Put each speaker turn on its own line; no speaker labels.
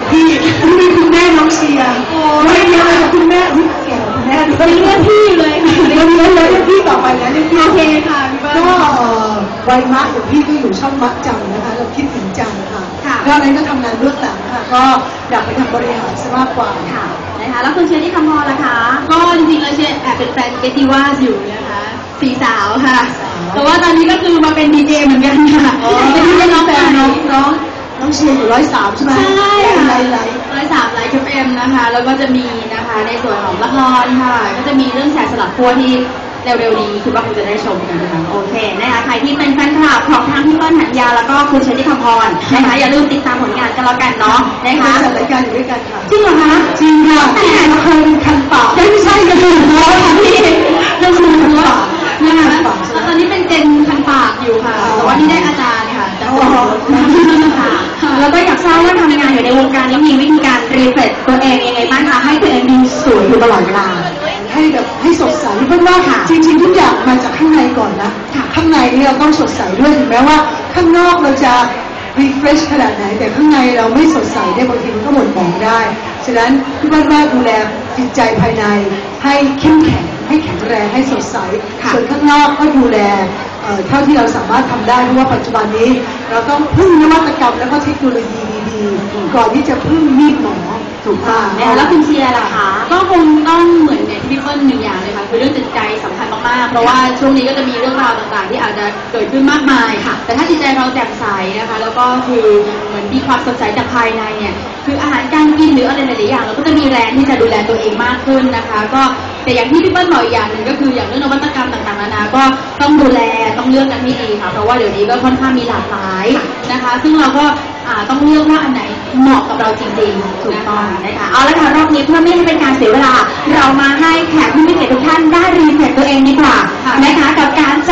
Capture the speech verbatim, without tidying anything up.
พี่นี่มีคุณแม่น้องเชียร์ไม่เยอะเลยคุณแม่อุ๊ยแก่คุณแม่ด้วย
เรียกพี่เลยค่ะ
เรียกพี่เลยเรียกพี่ต่อไปนะเรียกพี่
โอเคค่ะพี่เบิ้ล
ก็วัยมะอย่างพี่ก็อยู่ช่องมัดจังนะคะเราคิดถึงจังค่ะ
ค่ะ
ก็อะไรก็ทำงานเบื้องหลังค่ะก็อยากไปทำบริหารซะมากกว่า
ค่ะนะคะแล้วคุณเชียร์ที่คำพรล่ะคะก็จริงๆแล้วเชียร์แอบเป็นแฟนเกติว่าอยู่นะคะสี่สาวค่ะแต่ว่าตอนนี้ก็คือมาเป็นดีเจเหมือนกันค่ะ
อ๋อ
เป็นดีเจน้อง
แต่
แต่
น้
น้
อ
อง ง
น้องน้องเชียร์อยู่ร้อยสามใช่ไหม
ใช่ค่ะ
ไลฟ์ไลฟ์
ร้อยสามไลฟ์เอ็มนะคะแล้วก็จะมีนะคะในส่วนของละครค่ะก็จะมีเรื่องแสบสลับขั้วที่เร็วๆนี้คือว่าคุณจะได้ชมกันนะคะโอเคนะคะใครที่เป็นแฟนคลับของทางพี่เปิ้ลหันยาแล้วก็คุณเชอรี่คำพรนะคะอย่าลืมติดตามผลงานกันแล้วกันเนาะนะ
ค่ะ
คะ
จัดรายการอยู่ด้วยกันค่ะ
จริงเหรอคะ
จริงค่ะเคยเป็นคันปาก
ไม่ใช่กันเลยค่ะพี่เรื่องคุณคันปากนะคะ
คันปากใช่ไหม
ตอนนี้เป็นเจนคันปากอยู่ค่ะ
อ๋อ
แต่ว่านี่ได้อาจารย์ค่ะจาก
อ๋อ
ค่ะแล้วก็อยากทราบว่าทำงานอยู่ในวงการแล้วมีวิธีการรีเฟรชตัวเองยังไงบ้างคะให้ตัวเองดูสวยอยู่ตลอดเวลา
ให้แบบให้สดใสเพราะว่า
ค่ะ
จริงๆทุกอย่างมาจากข้างในก่อนนะ
ค่ะ
ข้างในนี่เราต้องสดใสด้วยถึงแม้ว่าข้างนอกเราจะ refresh ขนาดไหนแต่ข้างในเราไม่สดใสได้บางทีมันก็หม่นหมองได้ฉะนั้นพี่ว่าว่าดูแลจิตใจภายในให้เข้มแข็งให้แข็งแรงให้สดใสส่วนข้างนอกก็ดูแลเอ่อเท่าที่เราสามารถทำได้เพราะว่าปัจจุบันนี้เราต้องพึ่งนวัตกรรมแล้วก็เทคโนโลยีดีๆก่อนที่จะพึ่งมีดหมอถูกป่ะ
นะคะแล้วคุณเชียร์ล่ะคะก็คงต้องเหมือนอย่างที่พี่เปิ้ลหนึ่งอย่างเลยค่ะคือเรื่องจิตใจสำคัญมากๆเพราะว่าช่วงนี้ก็จะมีเรื่องราวต่างๆที่อาจจะเกิดขึ้นมากมายค่ะแต่ถ้าจิตใจเราแจ่มใสนะคะแล้วก็คือเหมือนมีความสดใสจากภายในเนี่ยคืออาหารการกินหรืออะไรหลายๆอย่างเราก็จะมีแรงที่จะดูแลตัวเองมากขึ้นนะคะก็แต่อย่างที่พี่เปิ้ลบอกอีกอย่างหนึ่งก็คืออย่างเรื่องนวัตกรรมต่างๆนานาก็ต้องดูแลต้องเลือกกันให้ดีค่ะเพราะว่าเดี๋ยวนี้ก็ค่อนข้างมีหลากหลายนะคะซึ่งเราก็อ่าต้องเลือกว่าอันไหนเหมาะกับเราจริงๆถูกต้องนะคะเอาละค่ะรอบนี้เพื่อไม่ให้เป็นการเสียเวลาเรามาให้แขกผู้มีเกียรติทุกท่านได้รีเฟรชตัวเองดีกว่านะคะกับการ